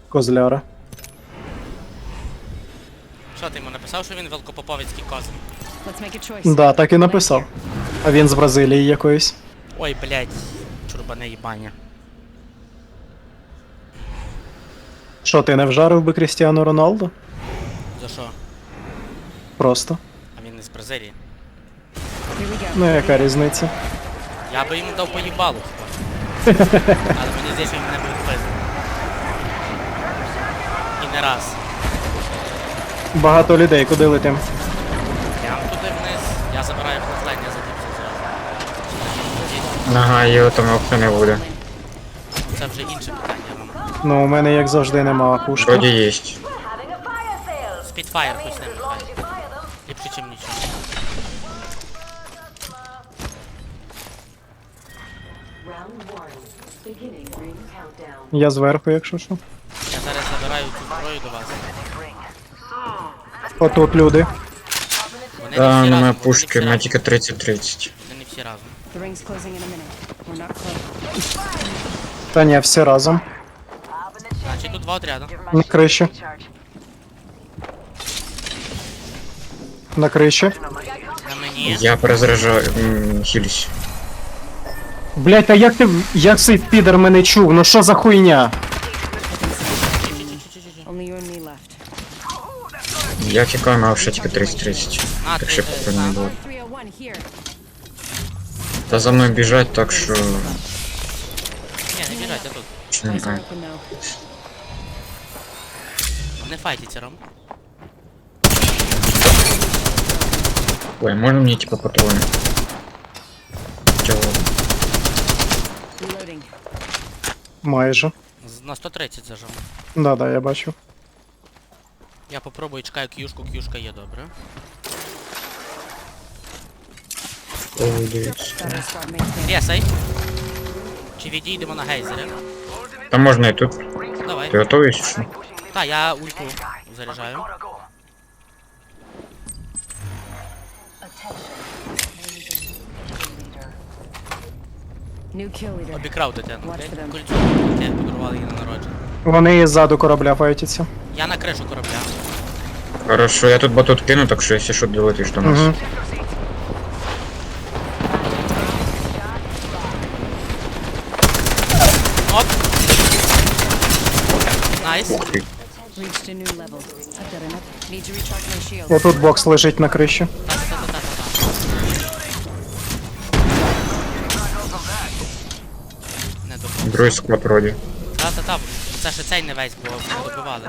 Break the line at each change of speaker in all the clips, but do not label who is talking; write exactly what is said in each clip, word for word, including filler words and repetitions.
Козляра.
Що ти йому написав, що він велкопоповицький козин?
Let's make a choice.
Да, так і написав. А він з Бразилії якоїсь.
Ой, блядь, чурбане їбання.
Що, ти не вжарив би Крістіану Роналду?
За що?
Просто.
А він не з Бразилії.
Here we go.
Ну яка різниця?
Я би йому дав поїбалу, хіба. Але мені здається, він мене буде пиздити. І не раз.
Багато людей, куди летим?
Прям туди вниз. Я забираю флотлайн, я задівся зразу.
Ага, його там опції не буде.
Це вже інше питання вам.
Ну, у мене як завжди нема пушки.
Вроді єсть.
Спідфайр хоч не виходить. Ліпше, чим нічого.
Я зверху, якщо що.
Я зараз забираю цю зброю до вас.
Отут люди.
Вони
Да,
не всі
на
разом,
мене
вони не
пушки,
всі
у мене
разом.
тільки тридцять тридцять.
Вони не всі разом.
The ring's closing in a minute. We're not close.
Та ні, всі разом.
Значить тут два отряди.
На криші. На криші.
На мені.
Я перезаряджаю, м, хілюсь.
Блять, та як ти. Як цей підер мене чув? Ну що за хуйня?
Only you and me left.
Я тікаю, мав ще тільки тридцять тридцять.
А,
Так
ти
що
е,
поки не
сам?
було.
three oh one here.
Та за мною біжать, так що...
Ні, не біжать, я тут.
Чи не
Eyes are
знаю.
open though.
Не файтіться, Ром.
Ой, можна мені типа патрони? Чого?
Reloading.
Майже.
З- На сто тридцять зажав.
Да-да, я бачу.
Я попробую, чекаю к'юшку, к'юшка є, добре.
Ой, дивіться.
Gotta start making.
Рєсай. Чи відійдемо на гейзери?
Там можна і тут.
Давай.
Ти готовий чи що?
Та, я ульту заряджаю.
New kill leader.
Обікрав дитину.
Watch for them.
Кольцо дитя подарували їй на народження.
Вони і ззаду корабля файтяться.
Я на кришу корабля.
Хорошо, я тут батут кину, так що якщо що долетиш до нас.
Угу.
Оп! Найс.
Ух ти.
Reached a new level. I've got enough. Need to recharge my shield.
Отут бокс лежить на криші.
Та-та-та-та-та-та. Не добив.
Другий склад вроді.
Та-та-та. Це ще цей не весь, бо не добивали.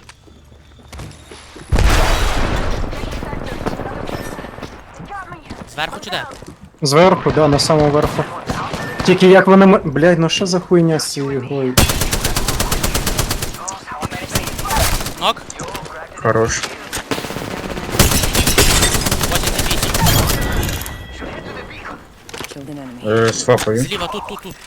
Зверху чи де?
Зверху, да, на самому верху. Тільки як вони м... Блядь, ну що за хуйня з цією грою?
Нок.
Хорош.
вісімдесят вісім.
Killed an enemy.
Е, свапаю.
Зліва, тут, тут, тут.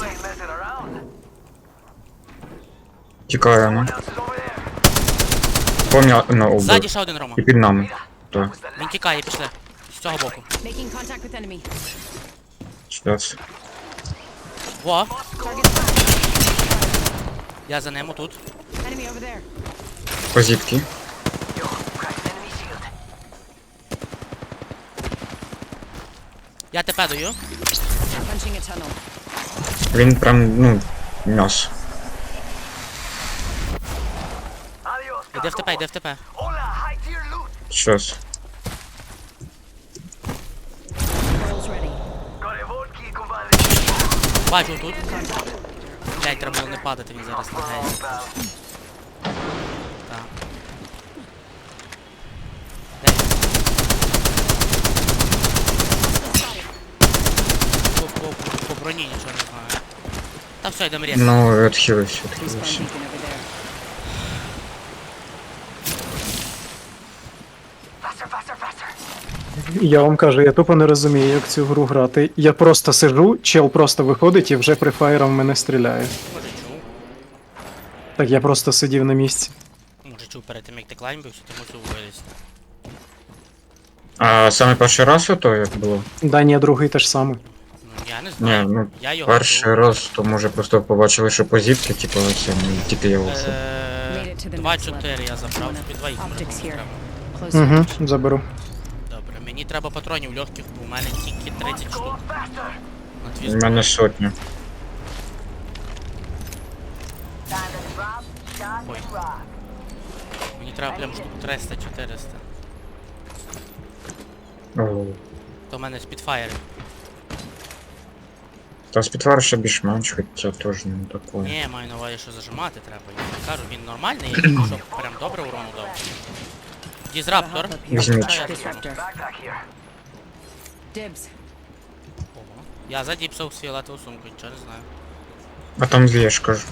Тікаю, ну. Помня... Ну,
Ззаді
убив.
ще один Рома.
І під нами. Так,
Він тікає, пішли. З цього боку.
Making contact with enemy.
щас.
Во. Я за ним тут.
Enemy over there.
Позитки.
Я тебе даю.
Punching a tunnel.
Він прям, ну, м'ясо.
Іди в ТП, іди в ТП.
Щас.
Controls ready.
Бачу тут. Блять, треба було не падати, він зараз лагається. Так. Де він? По, по, по, по броні нічого не знаю. Та все, йдемо різко.
Ну, відхилився,
Respawn
відхилився.
beacon over there.
Я вам кажу, я тупо не розумію, як цю гру грати. Я просто сижу, чел просто виходить і вже прифаєром в мене стріляє.
Може чув.
Так я просто сидів на місці.
Може чув перед тим, як ти клаймбився, ти мусив вилізти.
А саме перший раз ото як було?
Да ні, другий теж саме.
Ну, Ну, я не
Ні,
знаю.
ну,
Я його
перший
чув.
раз, то може просто побачили, що позівки, типу, ось і тільки я вийшов.
Е, два чотири я забрав, собі два ікс може
Optics
комусь
here.
треба.
Close
Угу,
range.
заберу.
Добре, мені треба патронів легких, бо у мене тільки тридцять штук. На твій
У
зброї.
мене сотня.
Ой. Мені треба прям штук триста-чотириста.
О,
То в мене спідфайри.
та спідвар ще більш-менш, хоча теж не такое.
Ні, маю на увазі, що зажимати треба. Я не кажу, він нормальний, я тільки що прям добре урону дав. Дізраптор.
Hop up here.
Візьміть.
Що я зроблю?
Disruptor. Dibs.
Ого. Я задіпсав фіолетову сумку, нічого не знаю.
А там дві, я ж кажу.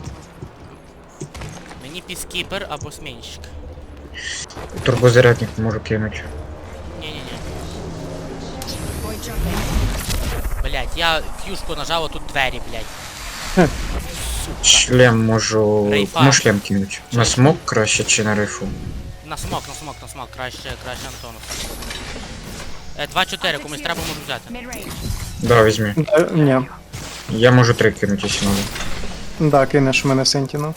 Мені піскіпер або смінщик.
Турбозарядник можу кинути.
Ні-ні-ні.
Void jumping.
Блять, я фюшку нажав, а тут двері, блять. Сука.
Шлем можу.
Рейфа.
Кому шлем кинуть? На смок краще чи на рейфу?
На смок, на смок, на смок, краще, краще Антону. Е, два чотири, комусь треба можу взяти.
Mid-range.
Да, візьми.
Е, ні.
Я можу три кинути, якщо надо.
Да, кинеш мене Сентіну.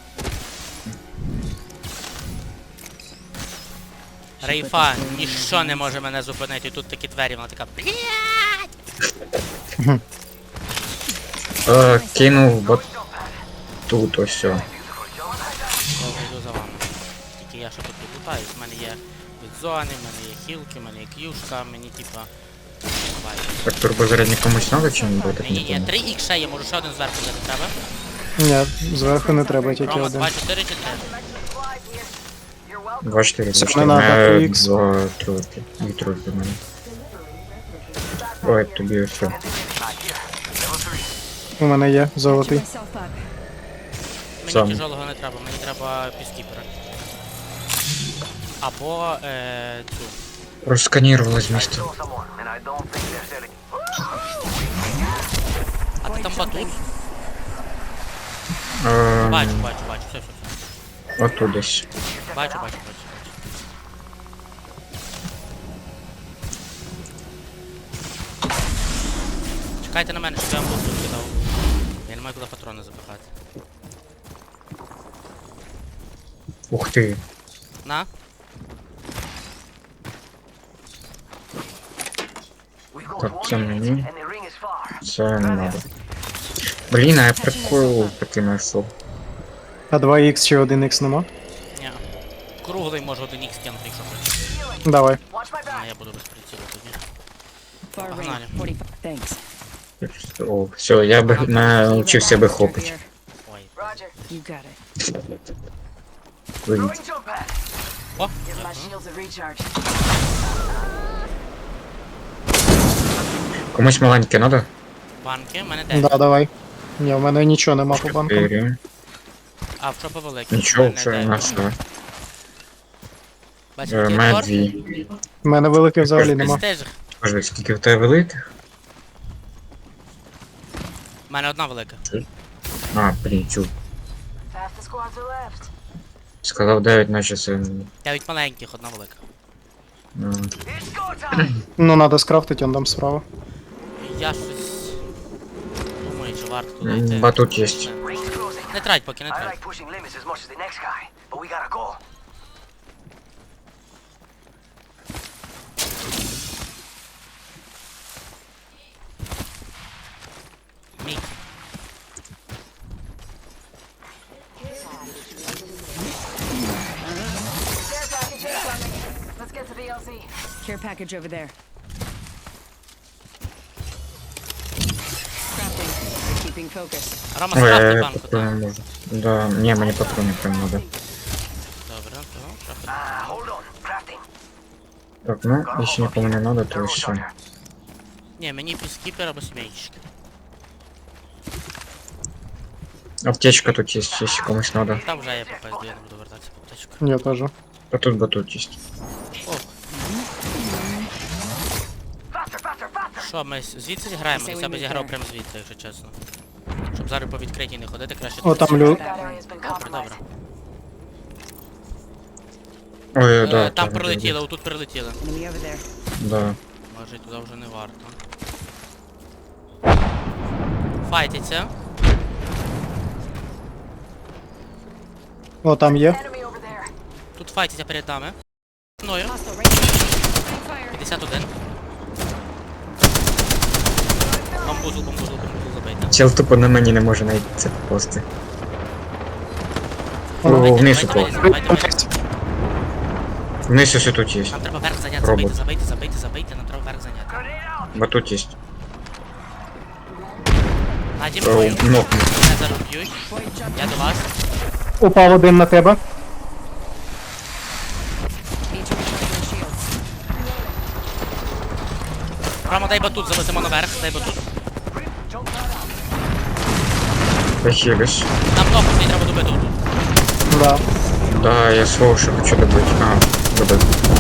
Рейфа, ніщо не може мене зупинити, тут такі двері, вона така. Блять!
Е, кинув бо тут ось. Все.
Я вже йду за вами. Тільки я ще тут лутаюсь, в мене є від зони, в мене є хілки, в мене є к'юшка, мені типа. Давай.
Так турбозарядник комусь надо чи не буде?
Ні, ні, ні, три ікс ще є, може ще один зверху взяти треба.
Ні, зверху не треба, тільки
Рома,
один.
два, чотири чи три?
Два чотири,
Це
два
не
чотири.
надо,
Мене
три ікс.
Два тройки. Дві тройки в мене. Ой, тобі все.
У мене є
Patch
золотий.
myself up.
Мені
Сам.
тяжелого не треба, мені треба піскіпера. Або е, цю.
Розсканірували з міста.
А ти там батут?
Ем,
Бачу, бачу, бачу, все, все, все.
Отут десь.
Бачу, бачу, бачу, бачу. Чекайте на мене, щоб я вам бусту кидав. Я не маю куди патрони запихати.
Ух ти.
На.
Так, це мені. Це не надо. Блін, а я прикол такий знайшов.
А два ікс чи один ікс нема?
Ні. Круглий може один ікс кинути, якщо хочеш.
Давай.
А, я буду без прицілу тоді.
Far
Погнали.
range. forty-five. Thanks.
О, все, я би навчився би хопити.
Ой.
You got it.
Вивіть.
О,
Комусь маленьке надо?
банки, в мене дев'ять.
Да, давай. Ні, в мене нічого нема по банкам.
Чотири.
А, в чопи великі.
Нічого,
в мене
вже
дев'ять.
на все.
Бачите,
Е,
який
Мене
обзор?
дві.
В мене великих взагалі нема.
Престиж.
Скажи, скільки в тебе великих?
В мене одна велика.
А, блін, чув. Сказав дев'ять, наче це...
Дев'ять маленьких, одна велика.
м,
Ну, надо скрафтити, он там справа.
Я щось... Думаю, чи варто туди
м,
йти.
Батут є.
Не трать, поки не
I
трать.
like pushing limits as much as the next guy, but we gotta go.
Мій.
Let's get to the L Z. Care package over there. Crafting. Keeping focus.
Рома,
Ой,
скрафти
я
банку, так?
патрони можу. Да, ні, мені патрони прям надо.
Добре, то трохи.
Ah, hold on, crafting.
Так, ну, якщо нікому не надо, то все.
Ні, мені піскіпер або смійщик.
Аптечка тут є, якщо комусь надо.
Там вже я попаду, я не буду вертатися по аптечку.
Я теж.
А тут батут є.
Ох,
Faster, faster, faster!
що, ми з- звідси зіграємо? Я себе зіграв прямо звідси, якщо чесно. Щоб зараз по відкритій не ходити, краще...
О, там лю...
Добре, добре.
Ой,
Е,
да.
там прилетіло, отут прилетіло.
Enemy over there.
Да.
Може туди вже не варто. файтиться.
О, там є.
Enemy over there.
Тут файтиться перед нами. Мною.
Hostile right here. Fire.
п'ятдесят один. Бамбузл, бамбузл, бамбузл забийте.
Чел тупо на мені не може знайти це пости. О,
Давайте,
вниз
давайте,
упав.
давайте, давайте.
Вниз ось тут є.
Нам треба верх зайняти,
Робот.
забийте, забийте, забийте, забийте, нам треба верх зайняти.
Бо тут є.
Наді
О,
мною.
ног.
Мене зараз б'ють. Я до вас.
Упав один на тебе.
Need to recharge my shields.
Рома, дай батут, завеземо наверх, дай батут.
Похилиш.
Нам ногу не треба добити отут.
Да.
Да, я свого ще хочу добити. А, добив.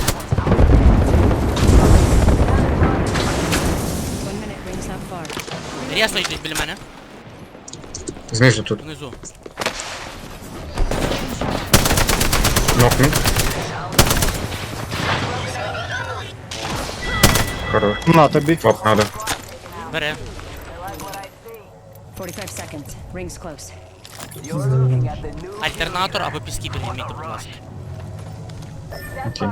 One minute, rings not far.
Рясно йдуть біля мене.
Знизу тут.
Внизу.
Нокнув. Хорош.
На тобі.
Фап надо.
Бери.
forty-five seconds. Rings close.
You're looking at the new
Альтернатор або піски підніміть, будь ласка.
Окей.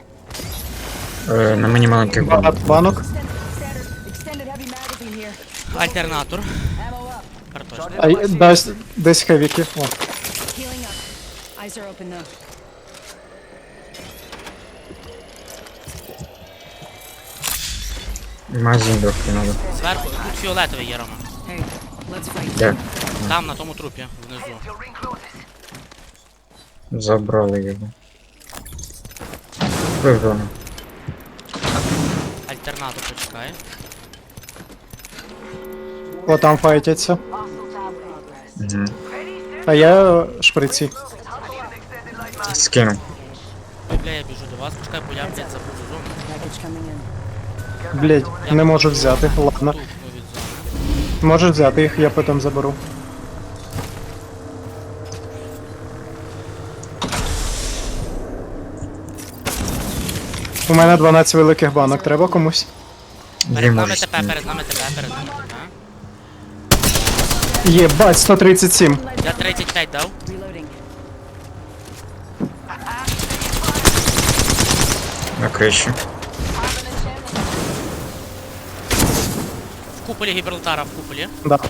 Е, на мені маленьких
Багато
бомб.
банок.
Extended heavy magazine here.
Альтернатор.
Ammo up.
Картошка.
А й- десь, десь хевіки. О.
Healing up. Eyes are open though.
Магазин трохи надо.
Зверху, тут фіолетовий є, Рома.
Hey, let's fight.
Де?
Там, на тому трупі, внизу.
your ring closes.
Забрали його. Виграно.
Альтернатор почекає.
О, там файтяться.
Угу.
А я шприці.
Скинув.
Ой, бля, я біжу до вас, почекай, бо я, блядь, забув зону.
Package coming in.
Блять, не можу взяти. Ладно.
Тухну від зони.
Можеш взяти їх, я потім заберу. У мене дванадцять великих банок, треба комусь?
Дві
Перед нами
можеш
ТП,
скинути.
перед нами ТП, перед нами ТП.
Єбать, сто тридцять сім.
Я тридцять п'ять дав.
Reloading.
На криші.
В куполі Гібралтара, в куполі.
Да.
Оп,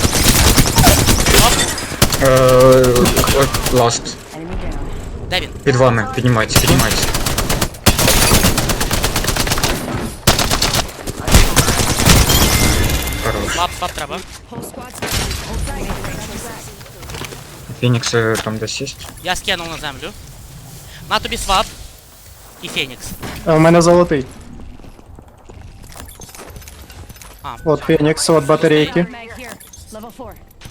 Е, Ласт.
Enemy down.
де він?
Під вами. Піднімайтесь, піднімайтесь. Хорош.
Слаб, слаб треба.
Whole squad scattered.
Фінікс е, там десь є.
Я скинув на землю. На тобі свап. І Фенікс.
А у мене золотий.
А,
От Фенікс, от батарейки.
Mag here. Level four.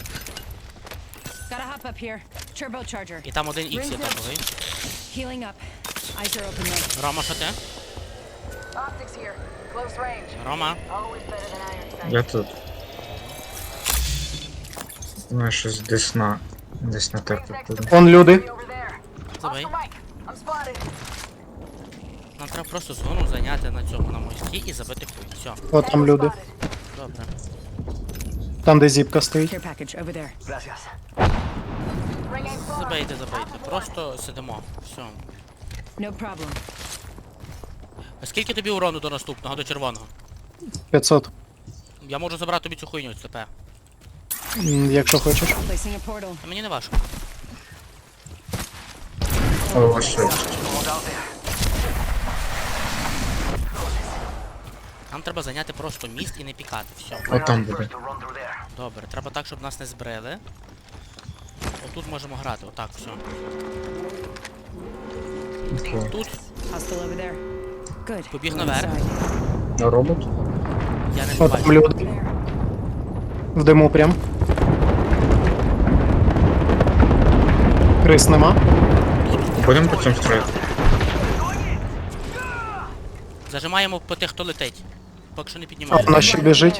Gotta hop up here. Turbocharger.
і там один ікс є топовий.
Healing up. Eyes are open though.
Рома, що ти?
Optics here. Close range.
Рома.
Always better than iron sight.
Я тут. Ну, щось десь на... Десь на терпі буде.
Он люди.
Over there.
Забий.
Mike, I'm spotted.
Нам треба просто зону зайняти на цьому, на мості і забити хуй. Все,
От там люди.
добре.
Там, де зіпка стоїть.
Care package over there.
Gracias.
Забийте, забийте. Просто сидимо. Все.
No problem.
А скільки тобі урону до наступного, до червоного?
п'ятсот.
Я можу забрати тобі цю хуйню, ЦП.
М, Якщо хочеш.
Placing a portal.
А мені не важко.
О, ось що.
Нам треба зайняти просто міст і не пікати. Все.
О, там буде.
To run through there.
Добре, треба так, щоб нас не збрили. Отут можемо грати, отак, все.
Окей.
Тут
Hostile over there. Good.
Побіг
We're
наверх.
inside.
А робот?
я не
От там
бачу.
люди.
There.
В диму прям. Крис нема.
Будемо по цьому строїти?
Зажимаємо по тих, хто летить. Поки що не
А
піднімаємо.
вона ще біжить.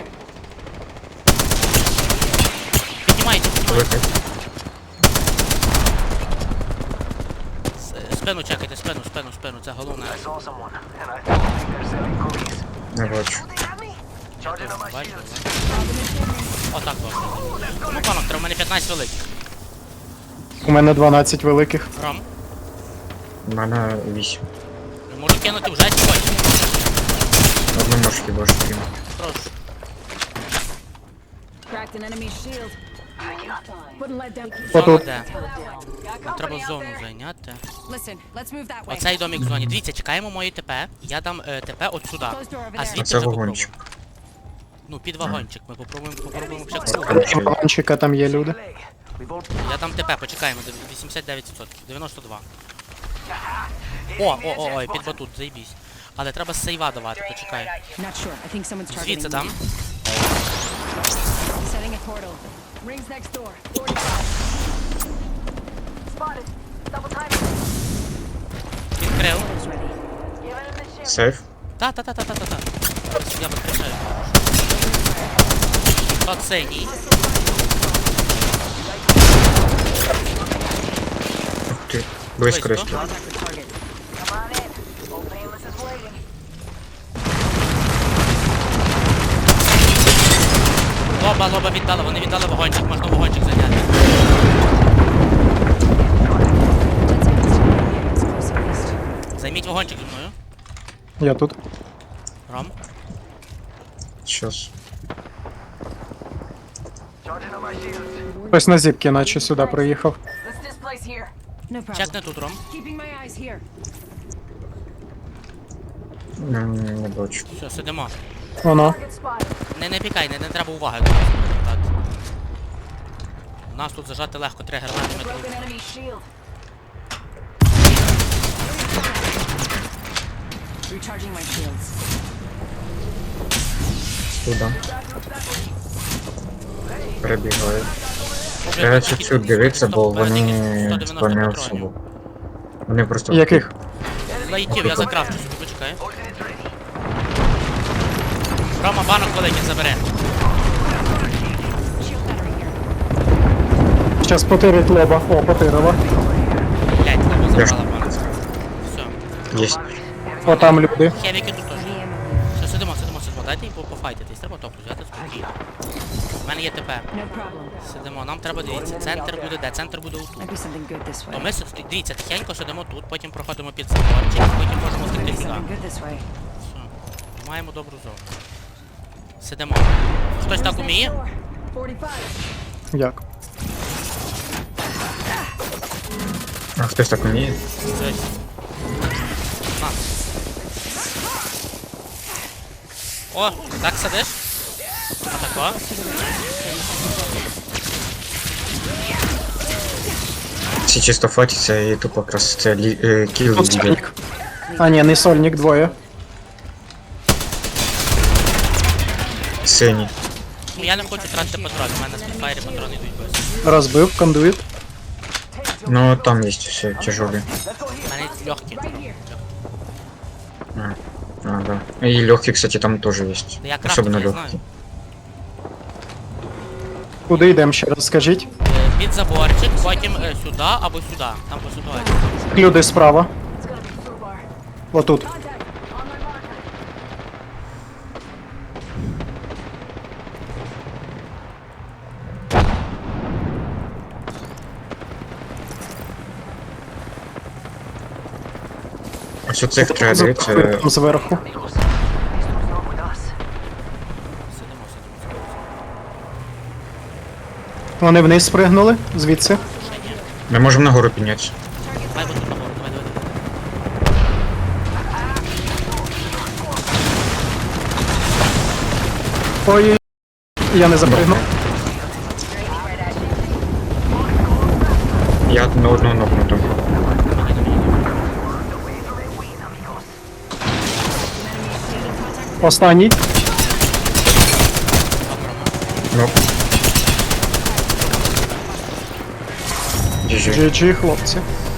Піднімайте, піднімайте.
Летить.
С- Спину чекайте, спину, спину, спину, це головне.
I saw someone, and I think they're selling cookies.
Не бачу.
They have me? Charging on my
Бачу,
shields.
да? Отак добре. Ну, панок, треба в мене п'ятнадцять великих.
У мене дванадцять великих.
Ром,
У мене вісім.
можу кинути вже чи хочеш?
Одну можеш хіба ж кинути.
Прошу.
Cracked an enemy's shield. Wouldn't let them.
Зона
Отут.
де? Нам треба зону зайняти.
Listen, let's move that way.
Оцей домик в зоні. Дивіться, чекаємо мої ТП. Я дам е, ТП от сюди.
Close door over
А
there.
звідти
Оце
вже попробуємо.
вагончик.
Ну, під вагончик. Ми попробуємо, попробуємо ще круг.
Короче,
Вагончика там є люди.
We've all
Я дам ТП, почекаємо. вісімдесят дев'ять відсотків. дев'яносто два. О, о, о, ой, під батут, заїбісь. Але треба з сейва давати, почекай.
Not sure. I think someone's targeting
Звідси
me.
дам.
Setting a portal. Rings next door.
spotted. Double timing.
Відкрив.
Portal's ready.
Giving him the shit.
сейф.
Та, та, та, та, та, та, та. Я підключаю. Тот синій.
Ух ти. Близько
Близько.
речі.
Contact the target.
Come on in. Old Painless is waiting.
Лоба, лоба віддали, вони віддали вагончик, можна вагончик зайняти.
Let's end this. It's close at least.
Займіть вагончик зі мною.
Я тут.
Ром.
Щас.
Charging on my shields.
Хтось на зіпки, наче сюди приїхав.
Let's displace here.
No problem.
Чекни тут, Ром.
Keeping my eyes here.
М, Не бачу.
Все, сидимо.
Воно.
Target spotted.
Не, не пікай, не, не треба уваги до нас привертати. У нас тут зажати легко, три гранати
Broken
метрів.
enemy shield.
Recharging my shields.
Туди. Перебігаю. Треба чуть-чуть дивитися, бо вони типа не особо. Вони просто...
Яких?
Лайтів, я закрафчу собі, почекай. Рома, банок великий забере.
Shield battery here.
Щас потирить лоба. О, потирила.
Блять, лоба
Де ж?
забрала банок. Все.
Єсть.
О, там люди.
Хевіки тут теж.
Heavy ammo.
Все, сидимо, сидимо, сидимо. Дайте їм по- пофайтитись, треба топу взяти спокійно. У мене є ТП.
No problem.
Сидимо, нам треба, дивіться, центр буде де? Центр буде отут.
Might be something good this
То
way.
ми сид- дивіться, тихенько сидимо тут, потім проходимо під заборчик, потім можемо
Might
втекти
be
сюди.
something good this way.
Все. Маємо добру зону. Сидимо. Хтось так уміє?
forty-five.
Як?
А хтось так вміє?
Щось. На. О, так сидиш? Отако.
Всі чисто фатяться і тупо якраз це лі... е, кіл
Тут
йде.
сольник. А, ні, не сольник, двоє.
Синій.
Ну, я не хочу тратити патрони, у мене з підфайрі патрони йдуть без.
Розбив, кондуїт.
Ну там є все тяжелі.
У мене легкі.
А, а, да. И легкие, кстати, там тоже есть.
Да я крафту
Особенно
не знаю.
легкие.
Куди йдемо ще раз, скажіть?
Е, Під заборчик, потім е, сюди або сюди. Там по ситуації.
Люди справа.
It's gonna be Fubar.
Отут.
Contact. On my marker.
Ось оцих треба дивитися.
Там зверху.
Amigos. These dudes not with us.
Сидимо, сидимо, сидимо.
Вони вниз спригнули, звідси.
Ще ні.
Ми можемо нагору піднятися.
Давай вот тут нагору, давай, давай, давай.
Ой, я не запригнув.
Я на одного нокнуту.
Останній.
Нок. Джі джі.
джі джі, хлопці.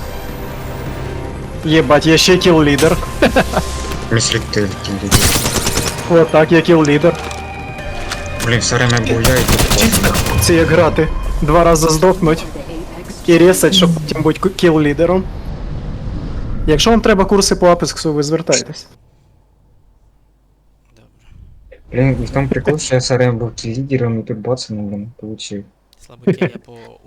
Єбать, я ще кіл-лідер.
Мислі ти кілі.
Отак, я кіл-лідер.
Блін, все время був я і тут.
Це як грати. Два рази здохнуть і ресать, щоб потім бути кіл-лідером. Якщо вам треба курси по апексу, ви звертайтесь.
Добре.
Блін, і в тому прикол, що я сарем був лідером і тут бацаном, блін, получив.
Слабаки я по